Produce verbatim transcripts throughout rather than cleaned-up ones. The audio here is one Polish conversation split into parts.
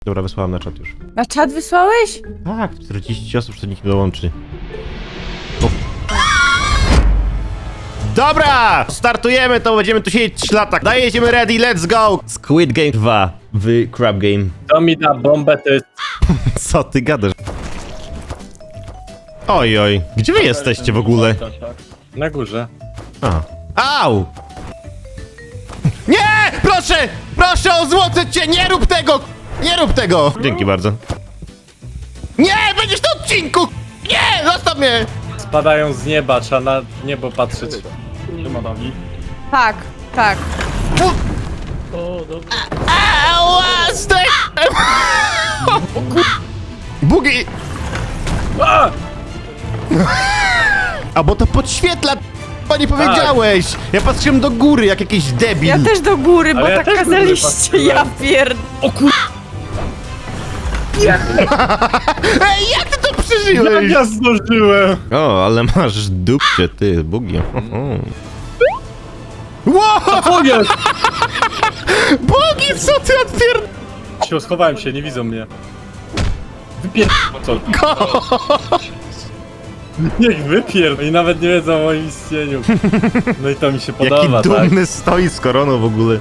Dobra, wysłałem na czat już. Na czat wysłałeś? Tak, czterdzieści osób, co nikt nie dołączy. O. Dobra! Startujemy, to będziemy tu siedzieć trzy lata. Daj, jedziemy ready, let's go! Squid Game dwa w Crab Game. To mi da bombę, to jest... Co ty gadasz? Oj, oj. Gdzie wy jesteście w ogóle? Na górze. A. Au! Nie! Proszę! Proszę o złote cię! Nie rób tego! Nie rób tego! Dzięki bardzo. Nie! Będziesz na odcinku! Nie! Zostaw mnie! Spadają z nieba, trzeba na niebo patrzeć. Nie ma nogi. Tak, tak. O, dobrze. Ała! Stek! Bugi! A! A bo to podświetla! P***a, nie powiedziałeś! Ja patrzyłem do góry jak jakiś debil. Ja też do góry, bo Ale ja tak też do góry kazaliście, patrzyłem. ja pierd... O kur... Ej, jak ty to Jak przeżyłeś? ja zdążyłem! O, ale masz dupcie, ty, Bugi. Wow! Co jest? Bugi, co ty odpier... Się schowałem się, nie widzą mnie. Wypier... Co? Niech wypier... I nawet nie wiedzą o moim istnieniu. No i to mi się podoba, Jaki tak? dumny stoi z koroną w ogóle.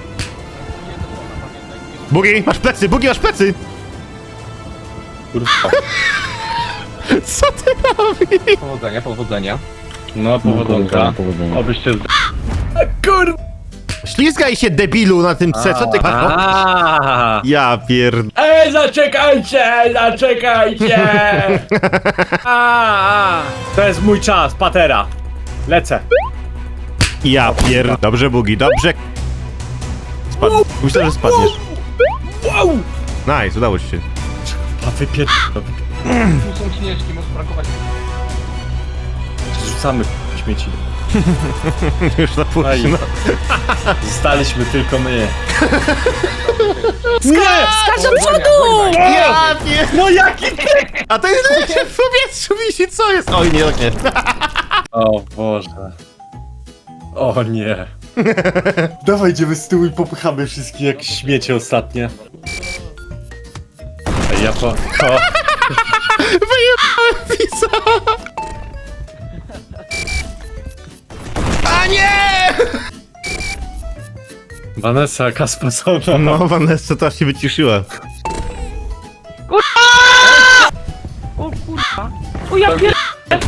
Bugi, masz plecy, Bugi, masz plecy! Kurwa. Co ty robisz? Powodzenia, powodzenia. No, powodzonka. Obyście... z- Kurwa! Ślizgaj się, debilu, na tym C, co ty... Aaaa! Ja pierd... Ej, zaczekajcie, zaczekajcie! A, a. To jest mój czas, patera. Lecę. Ja pierd... Dobrze, Bugi, dobrze. Spadł. Myślę, że spadniesz. Wow! Nice, udało ci się. A wypier... Tu są śnieżki, może brakować. Rzucamy śmieci. Już na pół. Aj. No. Zostaliśmy tylko my. Nie! Skacz do przodu! Ja pierd... No jaki ty? A to jest się w powietrzu wisi, co jest? Oj, nie, tak nie. O Boże. O nie. Dawaj, idziemy z tyłu i popychamy wszystkie jak śmiecie ostatnie. Ej, ja po... O. Wyjebałem pisa! A nie! Vanessa, jaka sposobna. No, Vanessa to aż się wyciszyła. O kurwa. O ja pierd...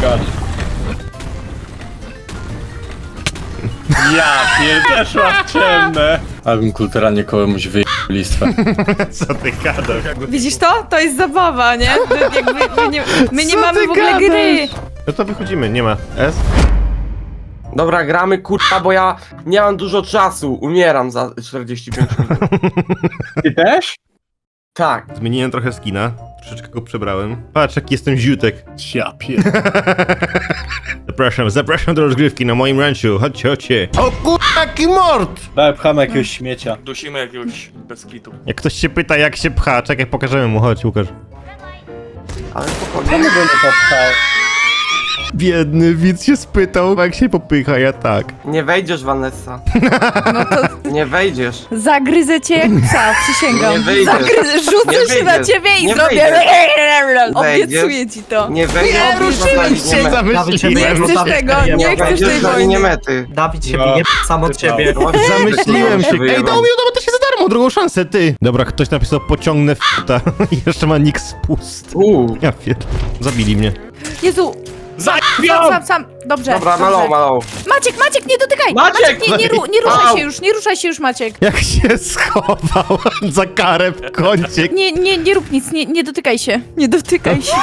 Ja pierdeszła w ciemne. Abym kulturalnie komuś wyjechał listwę. Co ty gadasz? Widzisz to? To jest zabawa, nie? To jakby, my nie, my nie Co mamy ty w ogóle gadasz? gry. No to wychodzimy, nie ma. S? Dobra, gramy kurwa, bo ja nie mam dużo czasu. Umieram za czterdzieści pięć minut. Ty też? Tak. Zmieniłem trochę skina. Troszeczkę go przebrałem. Patrz, jaki jestem ziutek. Ja pier... Zapraszam, zapraszam do rozgrywki na moim ranchu. Chodźcie, chodźcie. O kurwa, jaki mord! Daj, pchamy jakiegoś śmiecia. Dusimy jakiegoś bez kitu. Jak ktoś się pyta, jak się pcha, czekaj, pokażemy mu. Chodź, Łukasz. Ale spokojnie. Czemu go nie popchał? Biedny widz się spytał, jak się popycha, ja tak. Nie wejdziesz, Vanessa. No to Nie wejdziesz. zagryzę cię jak psa, przysięgam. Nie wyjdziesz. Zagryzę, rzucę Nie się na wyjdziesz. ciebie i Nie zrobię... Wejdziesz. Obiecuję ci to. Nie wejdziesz. Nie, ruszyłem zostawić się, nie- zamyśliłem. Nie chcesz tego, nie Nie chcesz wejdziesz tej do linii wojny. mety. Dawid się No. bije sam od siebie. Zamyśliłem się. Ej, Wyjebał. dał mi, no bo to się za darmo, drugą szansę, ty. Dobra, ktoś napisał pociągnę f***ta. I jeszcze ma nick spust. Uuu. Ja pierd... Zabili mnie. Jezu, sam, Zabiał! sam, sam. Dobrze, Dobra, dobrze. malą, malą. Maciek, Maciek, nie dotykaj! Maciek! nie, nie, ru, nie ruszaj Au. się już, nie ruszaj się już, Maciek. Jak się schował za karę w kącie. Nie, nie, nie rób nic, nie, nie dotykaj się. Nie dotykaj się.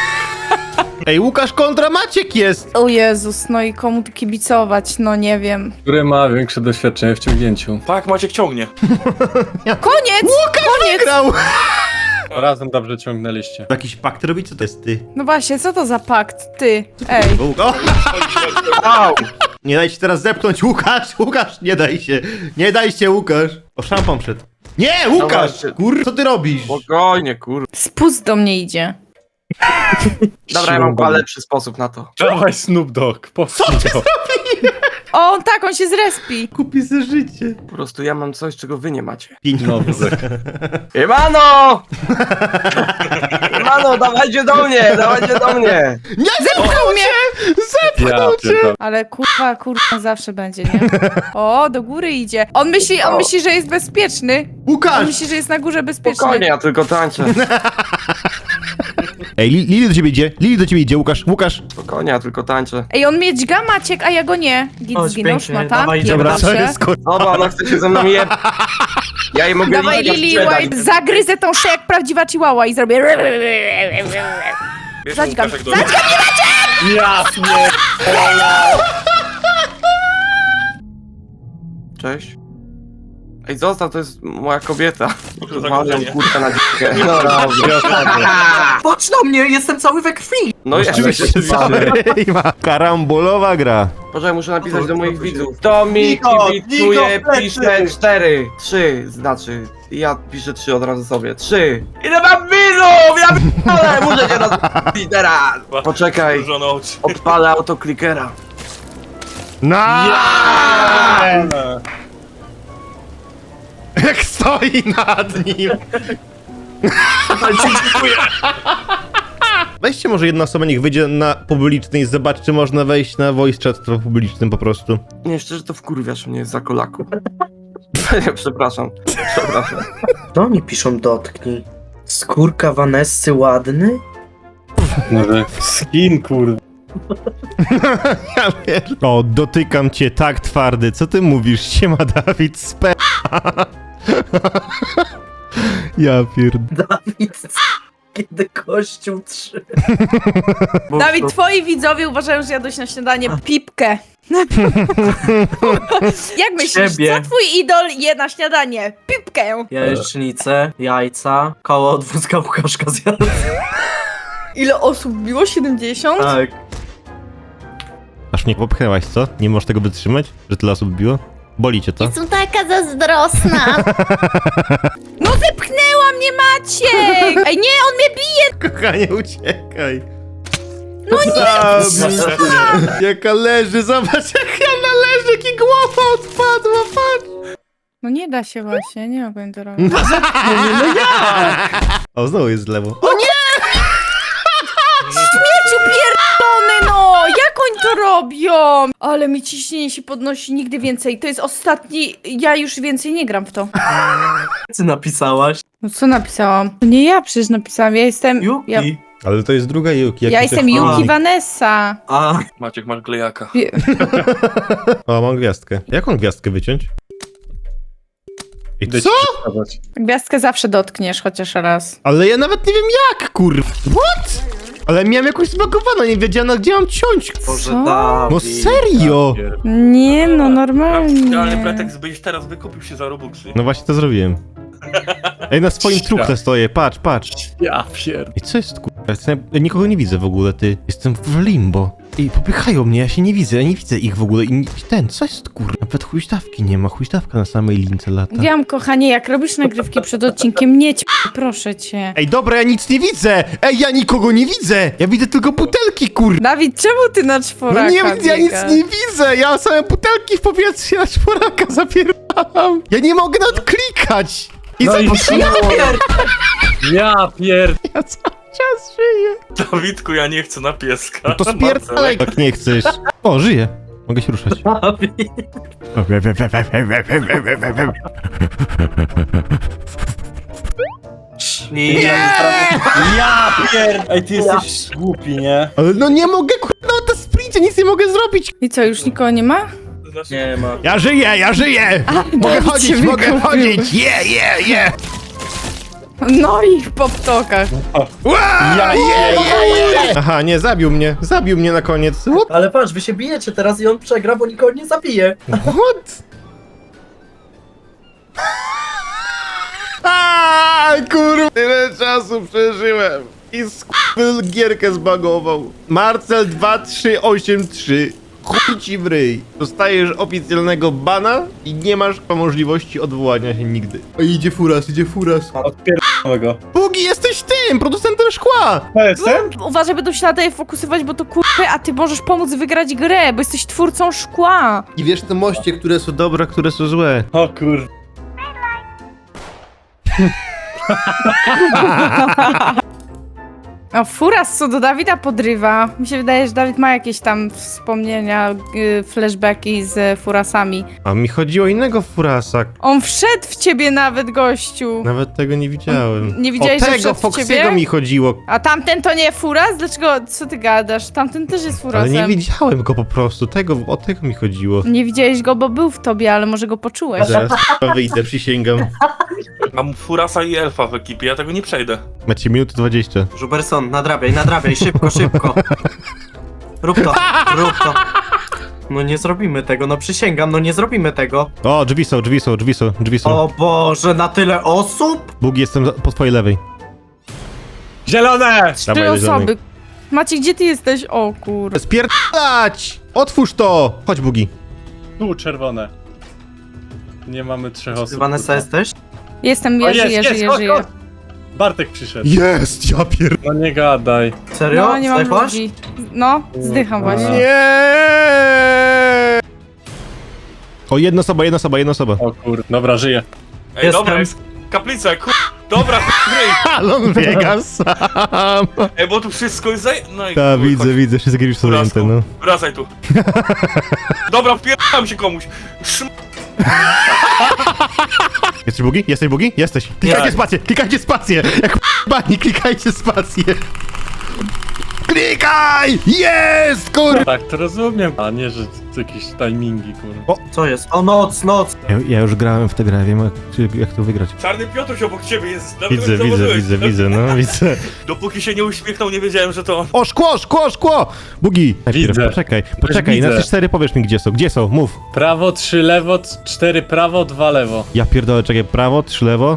Ej, Łukasz kontra Maciek jest. O Jezus, no i komu tu kibicować, no nie wiem. Który ma większe doświadczenie w ciągnięciu? Tak, Maciek ciągnie. Koniec! Koniec! Grał. Razem dobrze ciągnęliście. Jakiś pakt robi? Co to jest ty? No właśnie, co to za pakt, ty? Ej. O! Au. Nie daj się teraz zepchnąć, Łukasz! Łukasz, nie daj się! Nie daj się, Łukasz! O, szampan przed. Nie, Łukasz! Dobra, Kur... co ty robisz? Spokojnie, kur... Spust do mnie idzie. Dobra, ja mam chyba lepszy sposób na to. Dawaj Snoop Dogg, powtórzę to. O, on tak, on się zrespi. Kupi za życie. Po prostu ja mam coś, czego wy nie macie. Pieniądze. Imano! Imano, dawajcie do mnie, dawajcie do mnie! Nie, zepchnął mnie! Zepchnął Ja cię! pierdolę. Ale kurwa, kurwa zawsze będzie, nie? O, do góry idzie. On myśli, on myśli, że jest bezpieczny. On Łukasz! myśli, że jest na górze bezpieczny. Spokojnie, ja tylko tańczę. Ej, Li- Lili do ciebie idzie, Lili do ciebie idzie, Łukasz, Łukasz. Spokojnie, ja tylko tańczę. Ej, on mnie dźga Maciek, a ja go nie. Git Chodź, zginął, pięknie, szmata. dawaj, idziemy. Pierdol Dobra, co się. jest kur... Dobra, ona chce się ze mną je... Ja jej mogę Dawaj liczać, Lili sprzedać. White, zagryzę tą szyję jak prawdziwa chihuahua i zrobię... Wiesz, Zadźgam, Łukasz, jak do... zadźgam! Jasnie! Cześć. Ej, zostaw, to jest moja kobieta. Może Walę zagrożenie. kurtę na dzikę. No dobrze. Patrz na mnie, jestem cały we krwi! No jest, Oczywiście, oczywiście. Ej, ma karambolowa gra. Poczekaj, muszę napisać do moich widzów. To mi Niko, kibicuje, Niko, plecy. pisze cztery. Trzy, znaczy. I ja piszę trzy od razu sobie. Trzy. Ile mam widzów? Ja p***dolę, muszę cię rozp***lić teraz. Poczekaj, Zagrożone oczy. odpalę autoklikera. No! Jak stoi nad nim. Weźcie może jedna osoba, niech wyjdzie na publiczny i zobaczy, czy można wejść na voice chat w publicznym po prostu. Nie, szczerze to wkurwiasz mnie za kolaku. Nie, przepraszam. Przepraszam. To oni piszą dotknij. Skórka Vanessy ładny? Skin, kurde. Ja pier... O, dotykam cię tak twardy. Co ty mówisz? Siema Dawid Spe... Ja pierd... Dawid, kiedy kościół trzy. Dawid, twoi widzowie uważają, że jadłeś na śniadanie pipkę. Jak myślisz, Ciebie. co twój idol je na śniadanie? Pipkę. Jajecznicę, jajca, koło od wózka Łukaszka zjadł. Ile osób biło? siedemdziesiąt? Tak. Aż mnie popchnęłaś, co? Nie możesz tego wytrzymać? Że tyle osób biło? Boli cię to? Jestem taka zazdrosna. No wypchnęła mnie Maciek! Ej, nie, on mnie bije! Kochanie, uciekaj. No nie! Jaka leży, zobacz jaka ona leży, jaki głowa odpadła, patrz! No nie da się właśnie, nie mogę to robić. O, znowu jest z lewo. O nie! Śmieciu pierdolony, no! Jak oni to robią? Ale mi ciśnienie się podnosi, nigdy więcej. To jest ostatni... Ja już więcej nie gram w to. Ty napisałaś. No co napisałam? To nie ja przecież napisałam, ja jestem... Yuki. Ja, Ale to jest druga Yuki. jak ja ty jestem też- Yuki Vanessa. A, Maciek, masz glejaka. O, mam gwiazdkę. Jaką gwiazdkę wyciąć? I co? Gwiazdkę zawsze dotkniesz chociaż raz. Ale ja nawet nie wiem jak, kur... What? Ale miałem jakąś zbagowaną, nie wiedziałem gdzie mam ciąć. Boże, Co? Dawid. No serio! Nie no, Ale normalnie. pretekst byś teraz wykupił się za Robuxy. No właśnie to zrobiłem. Ej, na swoim truchle stoję, patrz, patrz. Ja pierd... I co jest, kurwa? Jestem- ja nikogo nie widzę w ogóle, ty. Jestem w limbo. I popychają mnie, ja się nie widzę, ja nie widzę ich w ogóle. I ten, co jest, kurwa? Nawet huśtawki nie ma, huśtawka na samej lince lata. Wiem, kochanie, jak robisz nagrywki przed odcinkiem, nie ćp, proszę cię. Ej, dobra, ja nic nie widzę! Ej, ja nikogo nie widzę! Ja widzę tylko butelki, kurwa! Dawid, czemu ty na czworaka No nie, ja nic biegasz? nie widzę! Ja same butelki w powietrzu na czworaka zapierdalam! Ja nie mogę nawet klikać! I No co i ja, Ja pierd... ja cały czas żyję! Dawidku, ja nie chcę na pieska. No to spierdalaj, jak nie chcesz. O, żyję. Mogę się ruszać. Dawid. Nie! Ja pierd... Ej, ty jesteś głupi, nie? Ale no nie mogę, kurwa, na to sprincie nic nie mogę zrobić! I co, już nikogo nie ma? Znaczy, Nie ma. Ja żyję, ja żyję! Mogę Dawid chodzić, się mogę wykupił. chodzić! Je, je, je! No i po ptokach. Ja, je, je, je! Aha, nie, zabił mnie, zabił mnie na koniec. What? Ale patrz, wy się bijecie teraz i on przegra, bo nikogo nie zabije. What? Aaaa, kurwa, tyle czasu przeżyłem i skurwyl gierkę zbagował. Marcel dwa trzy osiem trzy. Chuj ci w ryj. Dostajesz oficjalnego bana i nie masz możliwości odwołania się nigdy. O, idzie furas, idzie furas. Odpierdolę go. Bóg Bugi, jesteś tym, producentem szkła! Ja jestem? Uważaj, będą się na tobie fokusować, bo to kurwy, a ty możesz pomóc wygrać grę, bo jesteś twórcą szkła. I wiesz te moście, które są dobre, a które są złe. O kur... O, Furas co do Dawida podrywa. Mi się wydaje, że Dawid ma jakieś tam wspomnienia, y, flashbacki z Furasami. A mi chodziło o innego Furasa. On wszedł w ciebie nawet, gościu. Nawet tego nie widziałem. Nie widziałeś, o że tego wszedł w Foxiego ciebie? mi chodziło. A tamten to nie Furas? Dlaczego? Co ty gadasz? Tamten też jest Ale Furasem. nie widziałem go po prostu. Tego, o tego mi chodziło. Nie widziałeś go, bo był w tobie, ale może go poczułeś. Zaraz wyjdę, przysięgam. Mam Furasa i Elfa w ekipie, ja tego nie przejdę. Macie minutę dwadzieścia. Żuberson, nadrabiaj, nadrabiaj, szybko, szybko. Rób to, rób to. No nie zrobimy tego, no przysięgam, no nie zrobimy tego. O, drzwi są, drzwi są, drzwi są, drzwi są. O Boże, na tyle osób? Bugi, jestem za- po twojej lewej. Zielone! Trzy Dawaj, osoby. Maciek, gdzie ty jesteś? O kur... Spierdalać! Otwórz to! Chodź, Bugi. Tu czerwone. Nie mamy trzech osób. Ty, Vanessa, kurwa. jesteś? Jestem, O, ja jest, żyję, jest, żyję, chodź, żyję. chodź. Bartek przyszedł. Jest, ja pier... No nie gadaj. Serio? No, nie mam Zdechłaś? ludzi. No, zdycham Kurwa. właśnie. Nie! O, jedna osoba, jedna osoba, jedna osoba. O kur... Dobra, żyję. Ej, Jestem. dobra, jest kaplica, kur... Dobra, gry. Alon biega sam. Ej, bo tu wszystko jest zaj... No i Ta, chuj, widzę, chodź. widzę, wszystkie już są Wracam. zajęte, no. Wracaj tu. Dobra, wpierdam się komuś. Szm... Jesteś Bugi? Jesteś Bugi? Jesteś. Klikajcie Tak. spację, klikajcie spację! Jak bani, klikajcie spację! Klikaj! Jest, kur... Tak, to rozumiem. A nie, że to jakieś timingi, kurwa. Co jest? O, noc, noc. Ja, ja już grałem w tę grę, wiem jak, jak to wygrać. Czarny Piotruś obok ciebie jest. Nawet Widzę, nie widzę, zauważyłeś. widzę, widzę, no widzę. Dopóki się nie uśmiechnął, nie wiedziałem, że to on. O, szkło, szkło, szkło! Bugi! Najpierw, Widzę. poczekaj, poczekaj, na widzę. te cztery powiesz mi gdzie są, gdzie są, mów. Prawo, trzy lewo, c- cztery prawo, dwa lewo. Ja pierdolę, czekaj, prawo, trzy lewo.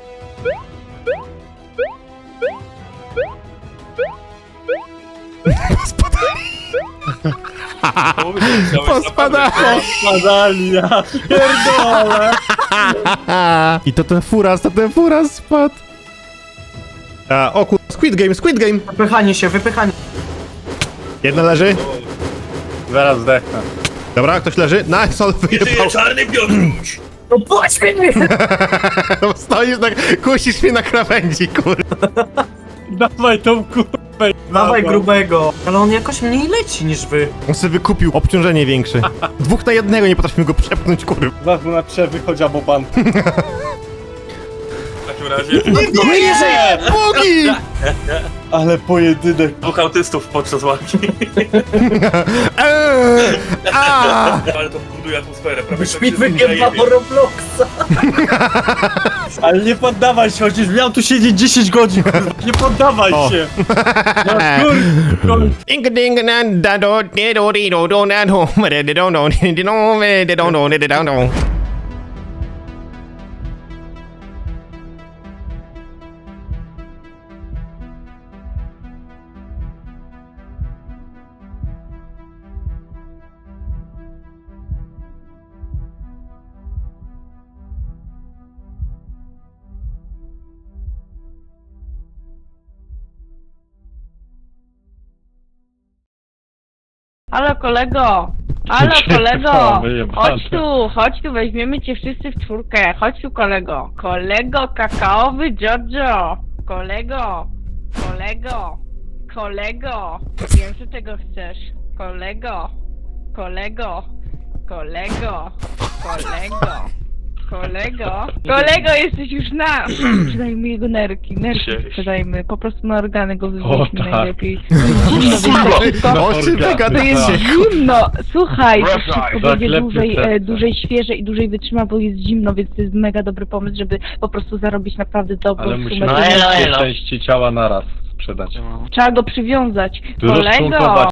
Pospadało. Spadali, ja pierdolę. I to ten furas, to ten furas spadł. A, o kur... Squid Game, Squid Game! Wypychanie się, wypychanie. Jedna leży. Zaraz zdechnę. Dobra, ktoś leży. Nice, on Żyje wyjebał. Czarny Piotruś. No pośmiej mnie! Stoisz na... Kusisz mnie na krawędzi, kur... Dawaj tą kurwę. Dawaj grubego. Ale on jakoś mniej leci niż wy. On sobie wykupił obciążenie większe. Dwóch na jednego nie potrafimy go przepchnąć, kur... Zaraz na przewy chodzi albo pan. W takim razie Nie żyje! Bugi! Ale pojedynek. dwóch autystów podczas walki. Eee, a! Ale to buduje atmosferę. Prawie Szpit wszyscy wygięba zajebie. po Robloxa. Ale nie poddawaj się, chociaż miał tu siedzieć dziesięć godzin. kurwa. Nie poddawaj O. się. No kur... Ding ding dan da do de do di do do na do me de do do de do me de do do de do do. Halo kolego! Halo Ciekawe, kolego! wyjebane. Chodź tu, chodź tu, weźmiemy cię wszyscy w czwórkę. Chodź tu kolego. Kolego kakaowy Giorgio! Kolego! Kolego! Kolego! Wiem, że tego chcesz. Kolego! Kolego! Kolego! Kolego! Kolego! Kolego, jesteś już na! Sprzedajmy jego nerki, nerki Cześć. sprzedajmy. Po prostu na organy go O, wywieźmy tak. najlepiej. Zimno, więc tak szybko. O czym wy To gadacie? jest zimno! Słuchaj, to wszystko będzie Zaklepmy dłużej, serce. e, dłużej świeże i dłużej wytrzyma, bo jest zimno, więc to jest mega dobry pomysł, żeby po prostu zarobić naprawdę dobrą Ale sumę musimy pieniędzy. wszystkie części ciała naraz sprzedać. Trzeba go przywiązać. Tu Kolego! rozczłonkować.